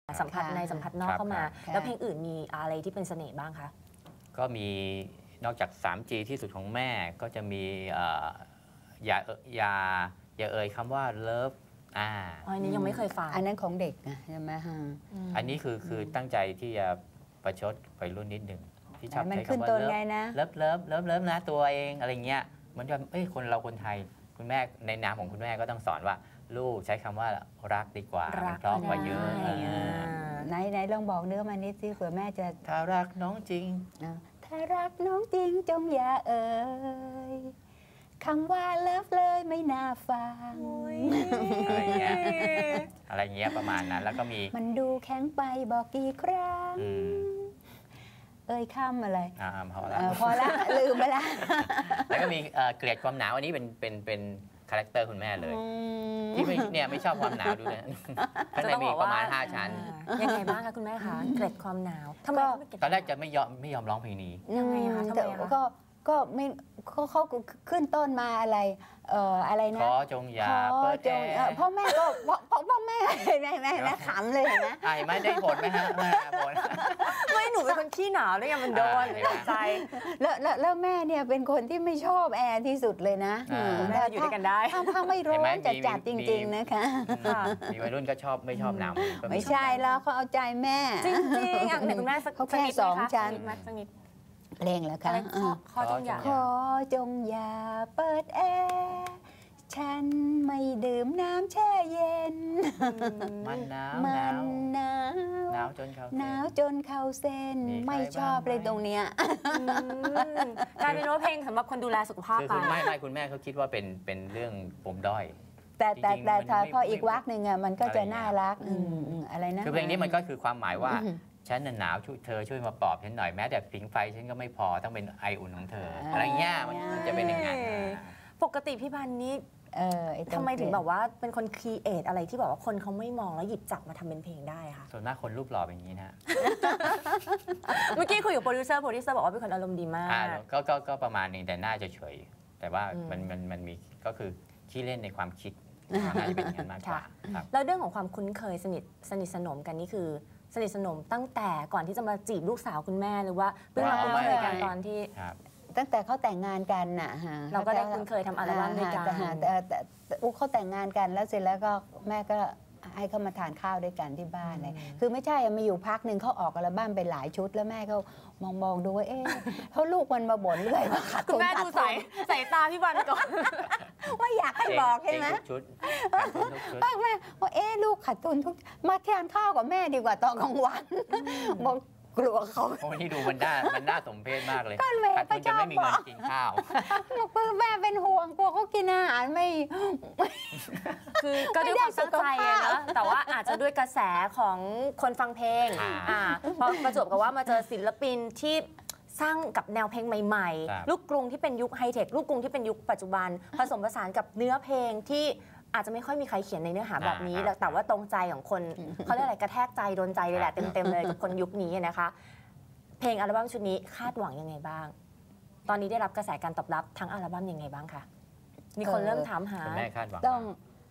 สัมผัสในสัมผัสนอกเข้ามาแล้วเพลงอื่นมีอะไรที่เป็นเสน่ห์บ้างคะก็มีนอกจาก 3G ที่สุดของแม่ก็จะมีอย่าเอ่ยคำว่าเลิฟอันนี้ยังไม่เคยฟังอันนั้นของเด็กนะใช่ไหมฮะอันนี้คือตั้งใจที่จะประชดวัยรุ่นนิดหนึ่งที่ชอบใช้คำว่าเลิฟนะตัวเองอะไรเงี้ยมันจะคนไทยคุณแม่ในนามของคุณแม่ก็ต้องสอนว่าลูกใช้คำว่ารักดีกว่ามันเพราะกว่าเยอะไหนลองบอกเนื้อมานิดสิเผื่อแม่จะถ้ารักน้องจริงถ้ารักน้องจริงจงอย่าเอ่ยคำว่าเลิฟเลยไม่น่าฟังอะไรเงี้ยประมาณนั้นแล้วก็มีมันดูแข็งไปบอกกี่ครั้งเอ่ยคำอะไรพอละลืมไปละแล้วก็มีเกลียดความหนาวอันนี้เป็นคาแรคเตอร์คุณแม่เลยที่ไม่ชอบความหนาวดูนะข้างในมีประมาณ5 ชั้นยังไงบ้างคะคุณแม่คะเกลียดความหนาวทำไมตอนแรกจะไม่ยอมร้องเพลงนี้ยังไงคะทำไมก็ไม่เขาขึ้นต้นมาอะไรนะขอจงอย่าเปิดแอร์พ่อแม่ก็พ่อแม่แม่ขำเลยนะไม่ได้ผลไหมฮะไม่หนูเป็นคนขี้หนาวเลยมันโดนใจแล้วแม่เนี่ยเป็นคนที่ไม่ชอบแอร์ที่สุดเลยนะแม่อยู่ด้วยกันได้ถ้าไม่ร้อนจัดจริงๆนะคะมีวัยรุ่นก็ไม่ชอบหนาวไม่ใช่แล้วเขาเอาใจแม่จริงๆอย่างคุณแม่เขาแค่2 ชั้นเพลงแล้วค่ะขอจงอย่าเปิดแอร์ฉันไม่ดื่มน้ำแช่เย็นมันหนาวจนเข้าเส้นไม่ชอบเลยตรงเนี้ยกลายเป็นว่าเพลงสำหรับคนดูแลสุขภาพไปไม่คุณแม่เขาคิดว่าเป็นเรื่องปมด้อยแต่พออีกวรรคหนึ่งอ่ะมันก็จะน่ารักอะไรนะคือเพลงนี้มันก็คือความหมายว่าฉันหนาวเธอช่วยมาปลอบฉันหน่อยแม้แต่ผิงไฟฉันก็ไม่พอต้องเป็นไออุ่นของเธออะไรเงี้ยมันจะเป็นอย่างนั้นปกติพี่พันธ์นี้ทำไมถึงแบบว่าเป็นคนครีเอทอะไรที่แบบว่าคนเขาไม่มองแล้วหยิบจับมาทำเป็นเพลงได้ค่ะส่วนมากคนรูปหล่อเป็นอย่างนี้นะเมื่อกี้คุยกับโปรดิวเซอร์บอกว่าเป็นคนอารมณ์ดีมากก็ประมาณนึงแต่น่าจะเฉยแต่ว่ามันมีก็คือขี้เล่นในความคิดน่าจะเป็นอย่างนั้นมากกว่าแล้วเรื่องของความคุ้นเคยสนิทสนมกันนี่คือสนิทสนมตั้งแต่ก่อนที่จะมาจีบลูกสาวคุณแม่หรือว่าเพิ่งมาคุ้นเคยกันตอนที่ตั้งแต่เขาแต่งงานกันน่ะเราก็ได้คุ้นเคยทำอัลบั้มด้วยกันแต่เขาแต่งงานกันแล้วเสร็จแล้วก็แม่ก็ให้เขามาทานข้าวด้วยกันที่บ้านเลยคือไม่ใช่มาอยู่พักหนึ่งเขาออกอัลบั้มไปหลายชุดแล้วแม่เขามองดูว่าเขาลูกมันมาบ่นเรื่อยว่าขาดทุนคุณแม่ดูใส่ตาพี่วันก่อนว่าอยากให้บอกใช่ไหมแม่ว่าลูกขาดทุนทุกมาทานข้าวกับแม่ดีกว่าตอนกลางวันบอกกลัวเขาโอ้นี่ดูมันน่าสมเพชมากเลยก็แม่ก็จะไม่มีเงินกินข้าวบอกแม่เป็นห่วงกลัวเขากินอาหารไม่คือก็ด้วยความตั้งใจนะแต่ว่าอาจจะด้วยกระแสของคนฟังเพลงพอประจวบกับว่ามาเจอศิลปินที่สร้างกับแนวเพลงใหม่ๆลูกกรุงที่เป็นยุคไฮเทคลูกกรุงที่เป็นยุคปัจจุบันผสมผสานกับเนื้อเพลงที่อาจจะไม่ค่อยมีใครเขียนในเนื้อหาแบบนี้แต่ว่าตรงใจของคนเขาเรียกอะไรกระแทกใจโดนใจเลยแหละเต็มๆเลยกับคนยุคนี้นะคะเพลงอัลบั้มชุดนี้คาดหวังยังไงบ้างตอนนี้ได้รับกระแสการตอบรับทั้งอัลบั้มยังไงบ้างคะมีคนเริ่มถามหาแม่คาดหวังต้อง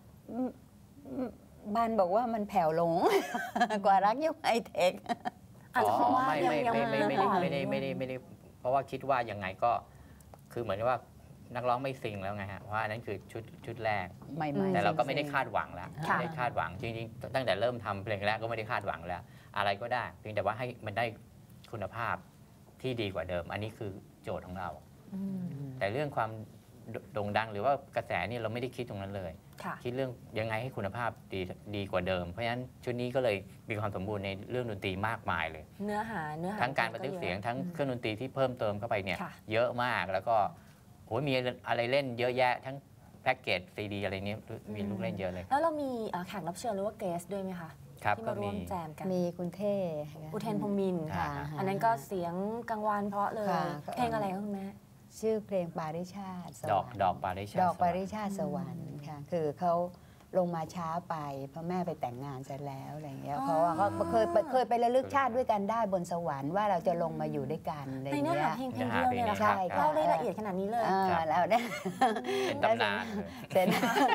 บ้านบอกว่ามันแผ่วลงกว่ารักยุคไฮเทคอาจจะเพราะว่าไม่ได้เพราะว่าคิดว่ายังไงก็คือเหมือนว่านักร้องไม่ซิงแล้วไงฮะเพราะอันนั้นคือชุดแรกแต่เราก็ไม่ได้คาดหวังแล้วไม่ได้คาดหวังจริงๆตั้งแต่เริ่มทำเพลงแรกก็ไม่ได้คาดหวังแล้วอะไรก็ได้เพียงแต่ว่าให้มันได้คุณภาพที่ดีกว่าเดิมอันนี้คือโจทย์ของเราแต่เรื่องความโด่งดังหรือว่ากระแสนี่เราไม่ได้คิดตรงนั้นเลยคิดเรื่องยังไงให้คุณภาพดีกว่าเดิมเพราะฉะนั้นชุดนี้ก็เลยมีความสมบูรณ์ในเรื่องดนตรีมากมายเลยเนื้อหาทั้งการบันทึกเสียงทั้งเครื่องดนตรีที่เพิ่มเติมเข้าไปเนี่ยเยอะมากแล้วก็โอ้ยมีอะไรเล่นเยอะแยะทั้งแพ็กเกจซีดีอะไรนี้มีลูกเล่นเยอะเลยแล้วเรามีแขกรับเชิญหรือว่าเกสด้วยไหมคะที่มาร่วมแจมกันมีคุณเท่อุเทนพรหมินทร์อันนั้นก็เสียงกังวานเพราะเลยเพลงอะไรคุณแม่ชื่อเพลงปาริชาติดอกปาริชาติสวรรค์ค่ะคือเขาลงมาช้าไปเพราะแม่ไปแต่งงานเสร็จแล้วอะไรอย่างเงี้ยเพราะว่าเขาเคยไประลึกชาติด้วยกันได้บนสวรรค์ว่าเราจะลงมาอยู่ด้วยกันอะไรอย่างเงี้ยเพลงเดียวเลยนะคะเล่าได้ละเอียดขนาดนี้เลยแล้วเนี่ยเป็นตำนานเสร็จ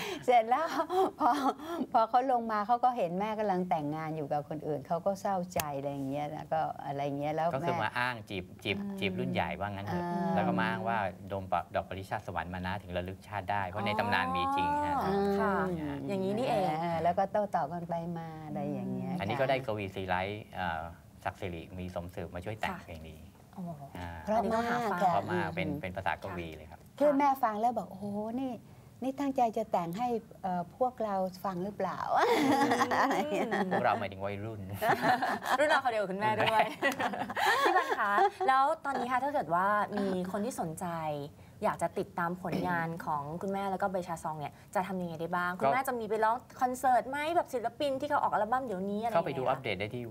เสร็จแล้วพอเขาลงมาเขาก็เห็นแม่กำลังแต่งงานอยู่กับคนอื่นเขาก็เศร้าใจอะไรอย่างเงี้ยแล้วก็อะไรเงี้ยแล้วก็คือมาอ้างจีบรุ่นใหญ่ว่างั้นเถอะแล้วก็มาอ้างว่าดมดอกปริชาติสวรรค์มานะถึงระลึกชาติได้เพราะในตำนานมีจริงฮะค่ะอย่างนี้นี่เองแล้วก็โต้ตอบกันไปมาอะไรอย่างเงี้ยอันนี้ก็ได้กวีศรีไลท์ศักดิ์สิริมีสมสืบมาช่วยแต่งเพลงนี้เพราะมากเพราะมากเป็นภาษากวีเลยครับเพื่อนแม่ฟังแล้วบอกโอ้โหนี่ตั้งใจจะแต่งให้พวกเราฟังหรือเปล่าพวกเราหมายถึงวัยรุ่นเราเขาเดียวคุณแม่ด้วยพี่บันคะแล้วตอนนี้ค่ะถ้าเกิดว่ามีคนที่สนใจอยากจะติดตามผลงานของคุณแม่แล้วก็ใบชาซองเนี่ยจะทำยังไงได้บ้างคุณแม่จะมีไปร้องคอนเสิร์ตไหมแบบศิลปินที่เขาออกอัลบั้มเดี๋ยวนี้อะไรเข้าไปดูอัปเดตได้ที่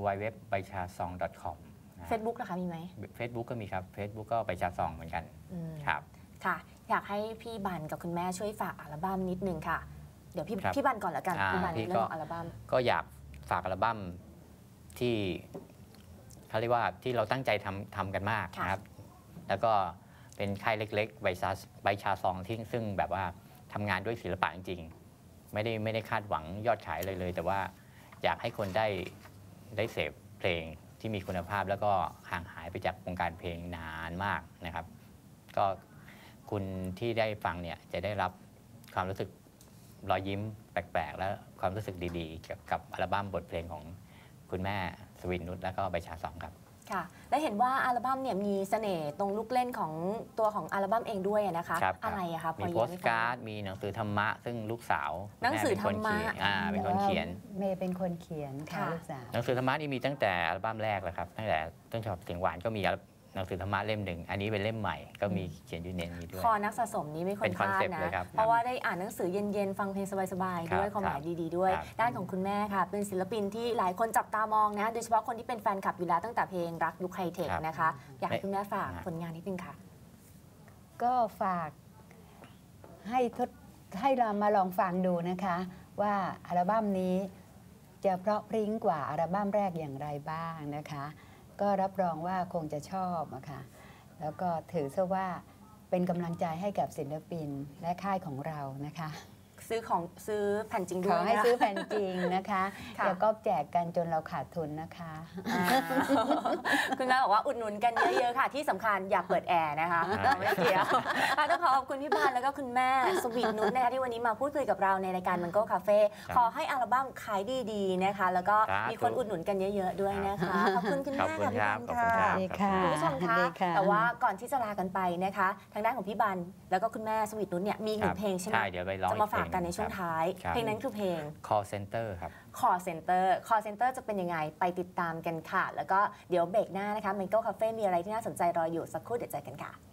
www.baichasong.com Facebook นะคะมีไหม Facebook ก็มีครับ Facebook ก็ใบชาซองเหมือนกันครับค่ะอยากให้พี่บันกับคุณแม่ช่วยฝากอัลบั้มนิดนึงค่ะเดี๋ยวพี่บันก่อนละกันพี่บันเรื่องอัลบั้มก็อยากฝากอัลบั้มที่เขาเรียกว่าที่เราตั้งใจทำกันมากนะครับแล้วก็เป็นค่ายเล็กๆใบชาซองที่ซึ่งแบบว่าทำงานด้วยศิลปะจริงๆไม่ได้คาดหวังยอดขายเลยแต่ว่าอยากให้คนได้เสพเพลงที่มีคุณภาพแล้วก็ห่างหายไปจากวงการเพลงนานมากนะครับก็คุณที่ได้ฟังเนี่ยจะได้รับความรู้สึกรอยยิ้มแปลกๆและความรู้สึกดีๆเกี่ยวกับอัลบั้มบทเพลงของคุณแม่สวินนุชและก็ใบชาซองครับค่ะและเห็นว่าอัลบั้มเนี่ยมีเสน่ห์ตรงลูกเล่นของตัวของอัลบั้มเองด้วยนะคะอะไรอะคะมีโปสการ์ดมีหนังสือธรรมะซึ่งลูกสาวหนังสือธรรมะเป็นคนเขียนเมย์เป็นคนเขียนค่ะลูกสาวหนังสือธรรมะนี่มีตั้งแต่อัลบั้มแรกเลยครับตั้งแต่ต้นฉบับเสียงหวานก็มีหนังสือธรรมะเล่มหนึ่งอันนี้เป็นเล่มใหม่ก็มีเขียนอยู่ในนี้ด้วยคอนักสะสมนี้ไม่ควรพลาดนะเพราะว่าได้อ่านหนังสือเย็นๆฟังเพลงสบายๆด้วยความหมายดีๆด้วยด้านของคุณแม่ค่ะเป็นศิลปินที่หลายคนจับตามองนะโดยเฉพาะคนที่เป็นแฟนคลับอยู่แล้วตั้งแต่เพลงรักยุคไฮเทคนะคะอยากให้คุณแม่ฝากผลงานนิดนึงค่ะก็ฝากให้เรามาลองฟังดูนะคะว่าอัลบั้มนี้จะเพราะพริ้งกว่าอัลบั้มแรกอย่างไรบ้างนะคะก็รับรองว่าคงจะชอบอะค่ะแล้วก็ถือซะว่าเป็นกำลังใจให้กับศิลปินและค่ายของเรานะคะซื้อแผ่นจริงด้วยขอให้ซื้อแผ่นจริงนะคะแล้วก็แจกกันจนเราขาดทุนนะคะคุณแม่บอกว่าอุดหนุนกันเยอะๆค่ะที่สำคัญอย่าเปิดแอร์นะคะไม่เกี่ยวต้องขอบคุณพี่บานแล้วก็คุณแม่สวีทนุชนะคะที่วันนี้มาพูดคุยกับเราในรายการมันโก้คาเฟ่ขอให้อัลบั้มขายดีๆนะคะแล้วก็มีคนอุดหนุนกันเยอะๆด้วยนะคะขอบคุณคุณแม่ค่ะพี่บานค่ะคุณผู้ชมคะแต่ว่าก่อนที่จะลากันไปนะคะทางด้านของพี่บานแล้วก็คุณแม่สวีทนุชเนี่ยมี1เพลงใช่ไหมจะมาฝากกันในช่วงท้ายเพลงนั้นคือเพลง Call Center ครับ Call Center จะเป็นยังไงไปติดตามกันค่ะแล้วก็เดี๋ยวเบรกหน้านะคะ Mango Cafe มีอะไรที่น่าสนใจรออยู่สักครู่เดี๋ยวเจอกันค่ะ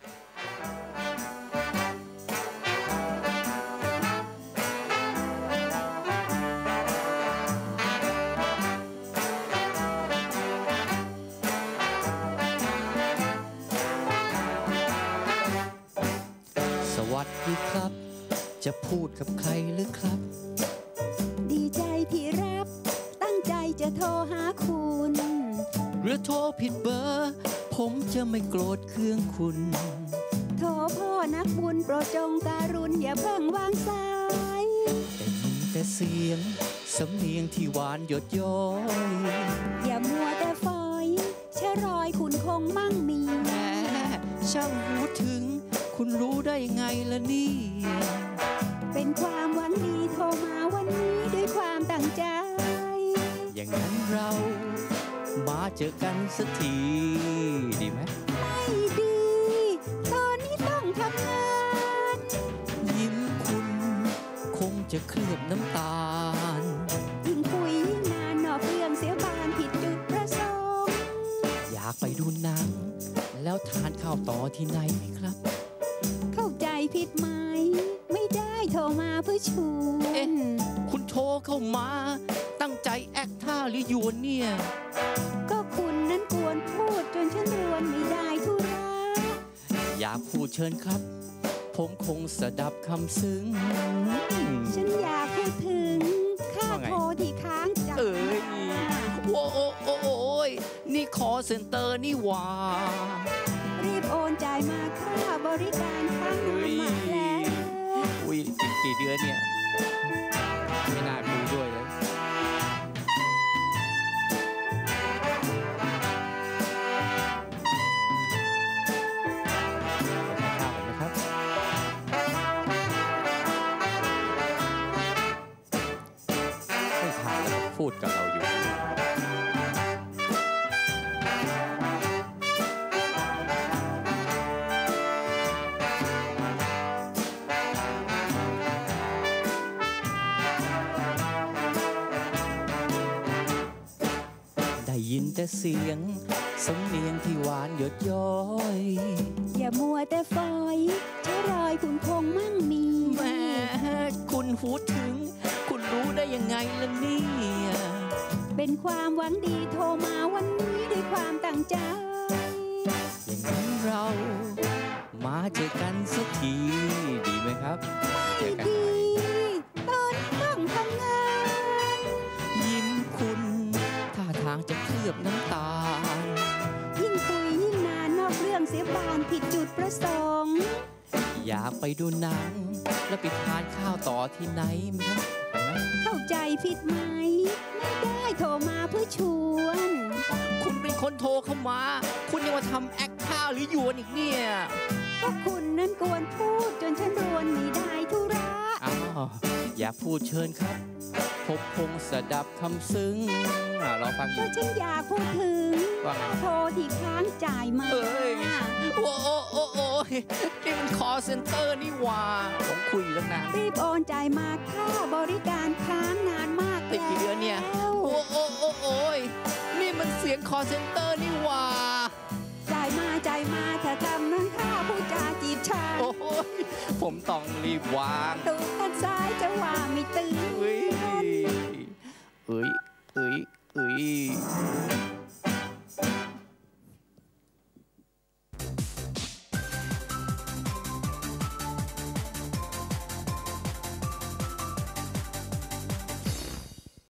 สวัสดีครับจะพูดกับใครหรือครับดีใจที่รับตั้งใจจะโทรหาคุณหรือโทรผิดเบอร์ผมจะไม่โกรธเคืองคุณโทรพ่อนักบุญโปรดจงการุณอย่าเพิ่งวางสายแต่เสียงสำเนียงที่หวานหยดย้อยอย่ามัวแต่ฝอยชะรอยคุณคงมั่งมีแหมช่างหูถึงคุณรู้ได้ไงล่ะเนี่ยเป็นความหวังดีโทรมาวันนี้ด้วยความตั้งใจอย่างนั้นเรามาเจอกันสักทีดีไหมไม่ดีตอนนี้ต้องทำงานยิ้มคุณคงจะเคลือบน้ำตาลยิ่งคุยยิ่งนานนอกเรื่องเสียบานผิดจุดประสงค์อยากไปดูหนังแล้วทานข้าวต่อที่ไหนไหมครับเข้าใจผิดไหมไม่ได้โทรมาเพื่อชวนคุณโทรเข้ามาตั้งใจแอคท่าหรือหยวนเนี่ยก็คุณนั้นกวนพูดจนฉันรวนไม่ได้ทุระอยากพูดเชิญครับผมคงสดับคำซึ้งฉันอยากพูดถึงค่าโทรที่ค้างจับโอ้ยนี่คอเซ็นเตอร์นี่หว่ารีบโอนจ่ายมาค่าบริการค้างมาแล้วยอีกกี่เดือนเนี่ยไม่น่าคุยด้วยเลยพูดกับเราอยู่ได้ยินแต่เสียงสำเนียงที่หวานหยดย้อยอย่ามัวแต่ฝอยใช้รอยคุณคงมั่งมีแม่คุณพูดถึงคุณรู้ได้ยังไงล่ะเนี่ยเป็นความหวังดีโทรมาวันนี้ด้วยความตั้งใจอย่างนั้นเรามาเจอกันสักทีดีไหมครับเจอกันดีตอนต้องทำงานยิ้มคุณท่าทางจะเคลือบน้ำตาลยิ่งคุยยิ่งนานนอกเรื่องเสียบานผิดจุดประสงค์อยากไปดูหนังแล้วไปทานข้าวต่อที่ไหนมั้ยเข้าใจผิดไหมไม่ได้โทรมาเพื่อชวนคุณเป็นคนโทรเข้ามาคุณยังมาทำแอคข้าวหรือหยวนอีกเนี่ยก็คุณนั้นกวนพูดจนฉันรวนไม่ได้ธุระอยากพูดเชิญครับพบพงสดับคำซึ้งเราฟังอยู่ก็ฉันอยากพูดถึงโทรที่ค้างจ่ายมาโอ้นี่มันคอเซ็นเตอร์นี่ว่าผมคุยอยู่ตั้งนานรีบโอนจ่ายมาค่าบริการค้างนานมากติดกี่เดือนเนี่ยโอ้ยนี่มันเสียงคอเซ็นเตอร์นี่ว่าจ่ายมาถ้าทำนั้นค่าผู้จาจีบฉันผมต้องรีบวางตูดด้านซ้ายจะว่าไม่ตื่นเฮ้ย